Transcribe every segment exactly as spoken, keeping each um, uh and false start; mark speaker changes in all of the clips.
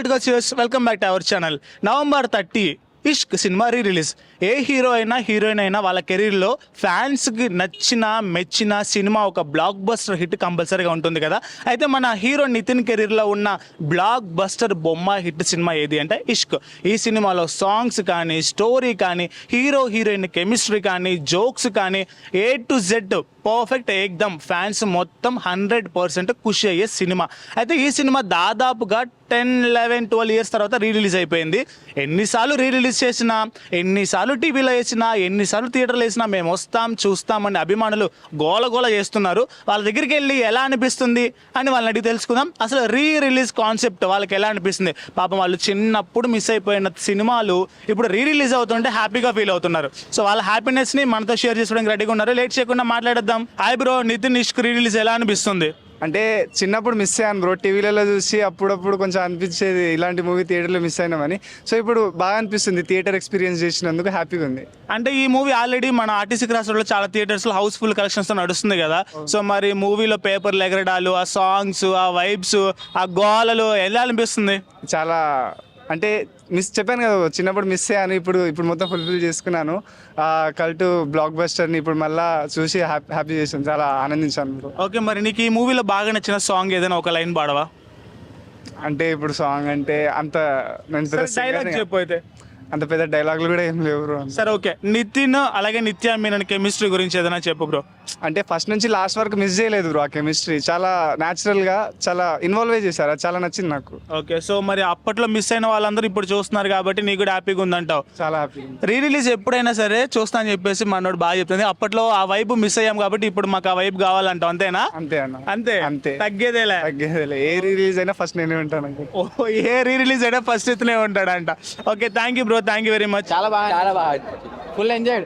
Speaker 1: Welcome back to our channel. November thirty Ishq cinema re release. ఏ hero అయినా heroine అయినా వాళ్ళ కెరీర్లో ఫ్యాన్స్కి నచ్చిన మెచ్చిన సినిమా ఒక బ్లాక్ బస్టర్ హిట్ కంపల్సరీగా ఉంటుంది కదా. అయితే మన హీరో నితిన్ కెరీర్లో ఉన్న బ్లాక్ బస్టర్ బొమ్మ హిట్ సినిమా ఏది అంటే ఇష్క్. ఈ సినిమాలో సాంగ్స్ కానీ స్టోరీ కానీ హీరో హీరోయిన్ కెమిస్ట్రీ కానీ జోక్స్ కానీ ఏ టు జెడ్ పర్ఫెక్ట్ ఏకదమ్. ఫ్యాన్స్ మొత్తం హండ్రెడ్ పర్సెంట్ ఖుషి అయ్యే సినిమా. అయితే ఈ సినిమా దాదాపుగా టెన్ లెవెన్ ట్వెల్వ్ ఇయర్స్ తర్వాత రీ రిలీజ్ అయిపోయింది. ఎన్నిసార్లు రీ రిలీజ్ చేసినా, ఎన్నిసార్లు టీవీలో వేసినా, ఎన్నిసార్లు థియేటర్లో వేసినా మేము వస్తాం చూస్తామని అభిమానులు గోల గోల చేస్తున్నారు. వాళ్ళ దగ్గరికి వెళ్ళి ఎలా అనిపిస్తుంది అని వాళ్ళని అడిగి తెలుసుకుందాం. అసలు రీ రిలీజ్ కాన్సెప్ట్ వాళ్ళకి ఎలా అనిపిస్తుంది. పాపం వాళ్ళు చిన్నప్పుడు మిస్ అయిపోయిన సినిమాలు ఇప్పుడు రీ రిలీజ్ అవుతుంటే హ్యాపీగా ఫీల్ అవుతున్నారు. సో వాళ్ళ హ్యాపీనెస్ని మనతో షేర్ చేసుకోవడానికి రెడీగా ఉన్నారు. లేట్ చేయకుండా మాట్లాడేద్దాం. Hi bro, Nithin Ishq re release ఎలా అనిపిస్తుంది?
Speaker 2: అంటే చిన్నప్పుడు మిస్ అయ్యాను బ్రో, టీవీలలో చూసి అప్పుడప్పుడు కొంచెం అనిపించేది ఇలాంటి మూవీ థియేటర్లో మిస్ అయినామని. సో ఇప్పుడు బాగా అనిపిస్తుంది, థియేటర్ ఎక్స్పీరియన్స్ చేసినందుకు హ్యాపీగా ఉంది.
Speaker 1: అంటే ఈ మూవీ ఆల్రెడీ మన ఆర్టీసీ క్రాస్ రోడ్లో చాలా థియేటర్స్లో హౌస్ఫుల్ కలెక్షన్స్తో నడుస్తుంది కదా. సో మరి మూవీలో పేపర్లు ఎగరడాలు, ఆ సాంగ్స్, ఆ వైబ్స్, ఆ గోలలు ఎలా అనిపిస్తుంది?
Speaker 2: చాలా అంటే మిస్ చెప్పాను కదా, చిన్నప్పుడు మిస్ అయ్యాను, ఇప్పుడు ఇప్పుడు మొత్తం ఫుల్ఫిల్ చేసుకున్నాను. కల్ట్ బ్లాక్ బస్టర్ని ఇప్పుడు మళ్ళీ చూసి హ్యాపీ హ్యాపీ చేసాను, చాలా ఆనందించాను బ్రో.
Speaker 1: ఓకే, మరి నీకు ఈ మూవీలో బాగా నచ్చిన సాంగ్ ఏదైనా ఒక లైన్ పాడవా?
Speaker 2: అంటే ఇప్పుడు సాంగ్ అంటే అంత
Speaker 1: డైలాగ్ చెప్పు. అయితే
Speaker 2: అంత పెద్ద డైలాగులు కూడా ఏం లేవు బ్రో.
Speaker 1: సరే ఓకే, నితిన్ అలాగే నిత్య మీనన్ కెమిస్ట్రీ గురించి ఏదైనా చెప్పు బ్రో.
Speaker 2: అంటే ఫస్ట్ నుంచి లాస్ట్ వరకు మిస్ చేయలేదు బ్రో. ఆ కెమిస్ట్రీ చాలా న్యాచురల్ గా చాలా ఇన్వాల్వ్ చేశారు, అది చాలా నచ్చింది నాకు.
Speaker 1: ఓకే, సో మరి అప్పట్లో మిస్ అయిన వాళ్ళందరూ ఇప్పుడు చూస్తున్నారు కాబట్టి నీకు కూడా హ్యాపీగా ఉందంటావు?
Speaker 2: చాలా హ్యాపీ.
Speaker 1: రీ రిలీజ్ ఎప్పుడైనా సరే చూస్తా అని చెప్పేసి మనోడు బాగా చెప్తుంది. అప్పట్లో ఆ వైబ్ మిస్ అయ్యాం కాబట్టి ఇప్పుడు మాకు ఆ వైబ్ కావాలంటావు, అంతేనా?
Speaker 2: అంతే అన్న,
Speaker 1: అంతే అంతే, తగ్గేదేలే
Speaker 2: తగ్గేదేలే. ఏ రిలీజ్ అయినా ఫస్ట్ నేనే ఉంటాను.
Speaker 1: ఓ, ఏ రీ రిలీజ్ అయినా ఫస్ట్ ఇతనే ఉంటాడంట. Okay, thank you bro, thank you very much.
Speaker 3: చాలా బాగా చాలా బాగా ఫుల్ ఎంజాయ్.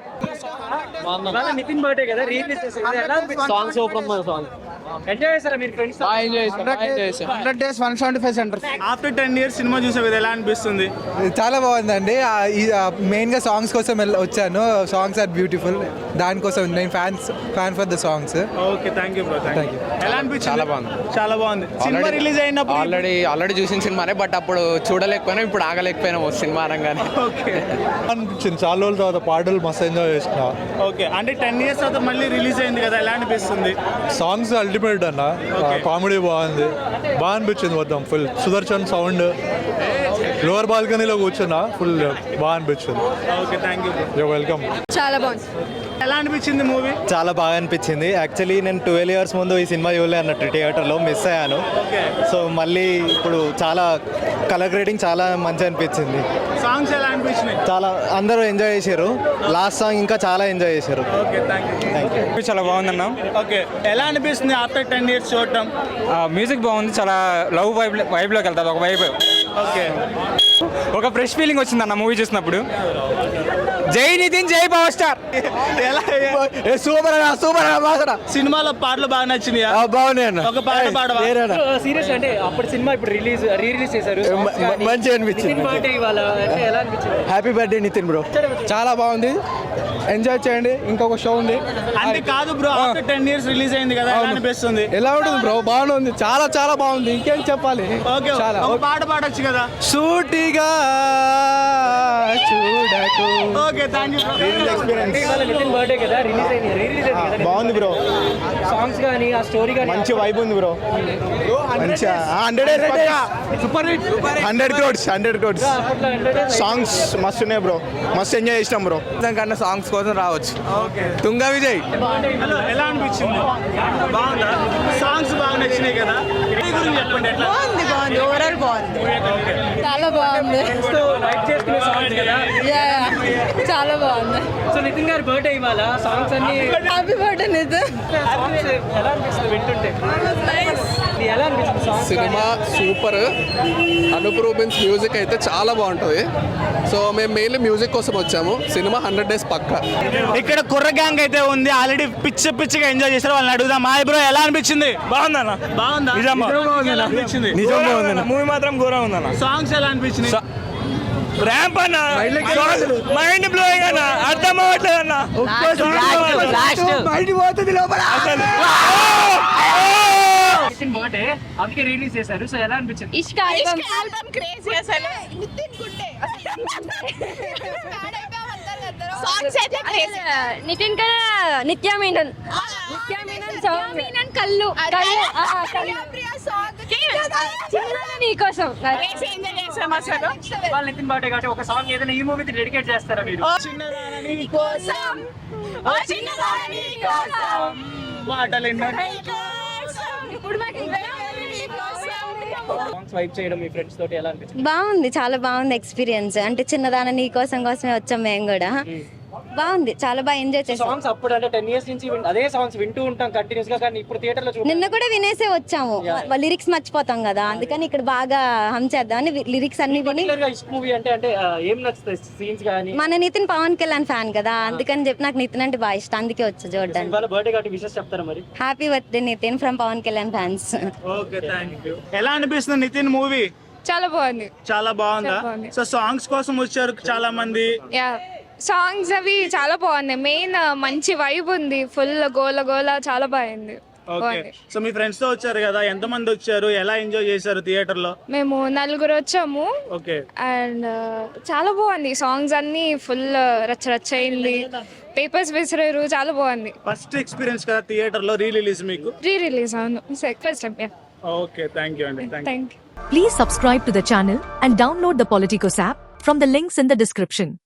Speaker 4: నితిన్ బర్త్డే కదా, రీలీజ్ చేశారు.
Speaker 3: సాంగ్ సూపర్ ఉంది. సాంగ్
Speaker 4: ఎంజాయ్ చేశారా మీరు friends?
Speaker 3: Hundred days one seventy five centre.
Speaker 1: After ten years cinema చూసావు కదా, ఎలా అనిపిస్తుంది?
Speaker 5: చాలా బాగుందండి. మెయిన్గా సాంగ్స్ కోసం వచ్చాను. సాంగ్స్ ఆర్ బ్యూటిఫుల్, దానికోసం నేను fans fan for the songs.
Speaker 1: Okay, thank you bro, thank you. ఎలా అనిపించింది?
Speaker 3: చాలా బాగుంది,
Speaker 1: చాలా బాగుంది. సినిమా రిలీజ్ అయినప్పుడు
Speaker 3: ఆల్రెడీ ఆల్రెడీ చూసిన సినిమానే, బట్ అప్పుడు చూడలేకపోయినా, ఇప్పుడు ఆగలేకపోయినా సినిమా అనగానే.
Speaker 1: ఓకే
Speaker 5: అనిపించింది. చాలా రోజుల తర్వాత పాటలు మస్తు ఎంజాయ్ చేసిన.
Speaker 1: ఓకే, అంటే టెన్ ఇయర్స్ తర్వాత మళ్ళీ రిలీజ్ అయింది కదా, ఎలా అనిపిస్తుంది?
Speaker 5: సాంగ్స్ అల్టిమేట్ అన్న, కామెడీ బాగుంది, బాగా అనిపించింది. మొత్తం ఫుల్ సుదర్శన్ సౌండ్, లోవర్ బాల్కనీలో కూర్చున్నా, ఫుల్ బాగా అనిపించింది.
Speaker 1: Okay, thank you,
Speaker 5: you welcome.
Speaker 6: చాలా బాగుంది.
Speaker 1: ఎలా అనిపించింది మూవీ?
Speaker 7: చాలా బాగా అనిపించింది. యాక్చువల్లీ నేను ట్వెల్వ్ ఇయర్స్ ముందు ఈ సినిమా చూడలే అన్నట్టు, థియేటర్లో మిస్ అయ్యాను. సో మళ్ళీ ఇప్పుడు చాలా కలర్ గ్రేడింగ్ చాలా మంచిగా అనిపించింది.
Speaker 1: సాంగ్స్ ఎలా అనిపించినాయి?
Speaker 7: చాలా అందరూ ఎంజాయ్ చేశారు. లాస్ట్ సాంగ్ ఇంకా చాలా ఎంజాయ్ చేశారు.
Speaker 1: Okay, thank you, thank you.
Speaker 7: చాలా బాగుందన్న.
Speaker 1: ఓకే, ఎలా అనిపిస్తుంది ఆఫ్టర్ టెన్ ఇయర్స్ చూడటం?
Speaker 8: మ్యూజిక్ బాగుంది, చాలా లవ్ వైబ్ వైబ్లోకి వెళ్తుంది. ఒక వైబ్,
Speaker 1: ఓకే,
Speaker 8: ఒక ఫ్రెష్ ఫీలింగ్ వచ్చింది అన్న మూవీ చూసినప్పుడు. జై నితిన్, జై పవర్ స్టార్.
Speaker 1: ఎలా
Speaker 7: సూపర్ అన్న, సూపర్ అన్న.
Speaker 1: సినిమాలో పాటలు బాగా నచ్చినాయా?
Speaker 7: బాగున్నాయి అన్న.
Speaker 1: ఒక పాట పాడవా?
Speaker 4: సీరియస్ అంటే అప్పుడు సినిమా ఇప్పుడు రిలీజ్ రీ రిలీజ్ చేశారు.
Speaker 7: మంచిగా అనిపించింది.
Speaker 4: నితిన్ బర్త్డే ఇవాళ అంటే ఎలా అనిపించింది?
Speaker 7: Happy birthday Nithin bro.
Speaker 5: చాలా బాగుంది, ఎంజాయ్ చేయండి. ఇంకొక షో ఉంది.
Speaker 1: అంటే కాదు bro, after ten years release అయింది కదా, ఎలా అనిపిస్తుంది?
Speaker 5: ఎలా ఉంటుంది బ్రో? బాగుంది, చాలా చాలా బాగుంది. ఇంకేం చెప్పాలి?
Speaker 1: ఓకే, ఒక పాట పాడొచ్చు కదా.
Speaker 5: సూటిగా చూడకు.
Speaker 1: Okay, thank you.
Speaker 4: ఇవాళ నితిన్ బర్త్డే కదా, రిలీజ్ అయింది రీ రిలీజ్ అయింది కదా.
Speaker 7: బాగుంది బ్రో,
Speaker 4: సాంగ్స్ కానీ ఆ స్టోరీ కానీ
Speaker 7: మంచి వైబ్ ఉంది బ్రో. మంచిగా hundred
Speaker 1: super hit,
Speaker 7: hundred crores hundred crores songs మస్తు ఉన్నాయి బ్రో, మస్తు ఎంజాయ్ చేసినాం బ్రో.
Speaker 3: కన్నా సాంగ్స్ కోసం రావచ్చు.
Speaker 1: ఓకే,
Speaker 3: తుంగ విజయ్.
Speaker 1: హలో, ఎలా అనిపించింది? బాగుందా? సాంగ్స్ బాగా నచ్చినాయి కదా, ఈ గురించి చెప్పండి. ఎట్లా
Speaker 6: బాగుంది, బాగుంది, ఓవరాల్ బాగుంది, చాలా బాగుంది.
Speaker 4: లైక్ చేసుకునే సాంగ్స్ కదా.
Speaker 6: యా, యా, చాలా బాగుంది.
Speaker 4: సో నితిన్ గారి బర్త్డే ఇవాళ, సాంగ్స్ అన్ని
Speaker 6: హ్యాపీ బర్త్డే నితిన్.
Speaker 4: సాంగ్స్ ఎలా అనిపిస్తుంది వింటుంటే? ఇది ఎలా అనిపిస్తుంది songs?
Speaker 9: Cinema super. Anup Rubens music అయితే చాలా బాగుంటుంది. సో మేము మెయిన్లీ మ్యూజిక్ కోసం వచ్చాము. సినిమా హండ్రెడ్ డేస్ పక్కా.
Speaker 1: ఇక్కడ కుర్ర గ్యాంగ్ అయితే ఉంది, ఆల్రెడీ పిచ్చ పిచ్చిగా ఎంజాయ్ చేస్తారు. వాళ్ళని అడుగుదాం. హాయ్ బ్రో, ఎలా అనిపించింది?
Speaker 8: బాగుందన్న,
Speaker 1: బాగుందా? ఎలా అనిపించింది?
Speaker 8: నిజంగా ఉందన్న, మూవీ మాత్రం ఘోరంగా ఉందన్న.
Speaker 1: సాంగ్స్ ఎలా అనిపించింది?
Speaker 8: ర్యాంప్ అన్న, మైండ్ బ్లోయింగ్ అన్న, అర్థం అవ్వట్లేదు అన్న.
Speaker 4: నితిన్ ఒకటే అందుకే రిలీజ్ చేశారు. సో ఎలా అనిపించింది?
Speaker 6: ఇష్క ఆల్బమ్
Speaker 10: ఆల్బమ్ క్రేజీ అసలు నితిన్ గుడ్డే సాంగ్స్ అయితే క్రేజీ.
Speaker 6: నితిన్ కదా నిత్య మీనన్ నిత్య మీనన్ సాంగ్ మీనన్ కళ్ళు కళ్ళు ఆ, కళ్ళు
Speaker 10: ప్రియా సాంగ్
Speaker 6: చిన్నదాన నీకోసం
Speaker 10: క్రేజీ ఎంజాయ్ చేసాం అసలు.
Speaker 4: వాళ్ళ నితిన్ బర్త్డే కాబట్టి ఒక సాంగ్ ఏదైనా ఈ మూవీకి డెడికేట్ చేస్తారా మీరు?
Speaker 10: కోసం ఓ చిన్నదాని కోసం
Speaker 1: మాటలు ఎన్నో
Speaker 10: ఇప్పుడు మాకు
Speaker 4: సాంగ్స్ వైబ్ చేయడం మీ ఫ్రెండ్స్ తోటి ఎలా అనిపించింది?
Speaker 6: బాగుంది, చాలా బాగుంది ఎక్స్పీరియన్స్. అంటే చిన్నదాన నీ కోసం కోసమే వచ్చాం మేము కూడా. బాగుంది, చాలా బాగా ఎంజాయ్ చేసాం.
Speaker 4: సాంగ్స్ అప్పుడు అంటే టెన్ ఇయర్స్ నుంచి విన్- అదే సాంగ్స్ వింటూ ఉంటాం కంటిన్యూస్ గా, కానీ ఇప్పుడు థియేటర్ లో చూడ
Speaker 6: నిన్న కూడా వినేసే వచ్చాము. లిరిక్స్ మర్చిపోతాం కదా, అందుకని ఇక్కడ బాగా హమ్ చేద్దామని లిరిక్స్ అన్ని విని.
Speaker 4: ఇష్ట మూవీ అంటే అంటే ఆ, ఏం నచ్చుతాయి సీన్స్ కానీ?
Speaker 6: మన నితిన్ పవన్ కళ్యాణ్ ఫ్యాన్ కదా, అందుకని చెప్పి నాకు నితిన్ అంటే బాగా ఇష్టం, అందుకే వచ్చా చూడడానికి.
Speaker 4: వాళ్ళ బర్త్డే కాబట్టి విషెస్ చెప్తారా మరి?
Speaker 6: Happy birthday Nithin from Pawan Kalyan fans.
Speaker 1: Okay, thank you. ఎలా అనిపిస్తుంది నితిన్ మూవీ?
Speaker 6: చాలా బాగుంది.
Speaker 1: చాలా బాగుందా?
Speaker 6: చాలా బాగుంది.
Speaker 1: సో సాంగ్స్ కోసం వచ్చారు చాలా మంది.
Speaker 6: యా, సాంగ్స్ అవి చాలా బాగున్నాయి. మెయిన్ మంచి వైబ్ ఉంది, ఫుల్ గోల గోల చాలా బాగుంది.
Speaker 1: ఓకే, సో మీ ఫ్రెండ్స్ తో వచ్చారు కదా, ఎంత మంది వచ్చారు, ఎలా ఎంజాయ్ చేశారు థియేటర్ లో?
Speaker 6: మేము నలుగురు వచ్చాము
Speaker 1: ఓకే,
Speaker 6: అండ్ చాలా బాగుంది. సాంగ్స్ అన్ని ఫుల్ రచ్చ రచ్చ అయింది, పేపర్స్ విసిరారు, చాలా బాగుంది.
Speaker 1: ఫస్ట్ ఎక్స్పీరియన్స్ కదా థియేటర్ లో రీ రిలీజ్ మీకు?
Speaker 6: రీ రిలీజ్ అవును, first time.
Speaker 1: Okay, thank you అండి. Thank you.
Speaker 6: Thank you.
Speaker 11: Please subscribe to the channel and download the Politicos app from the links in the description.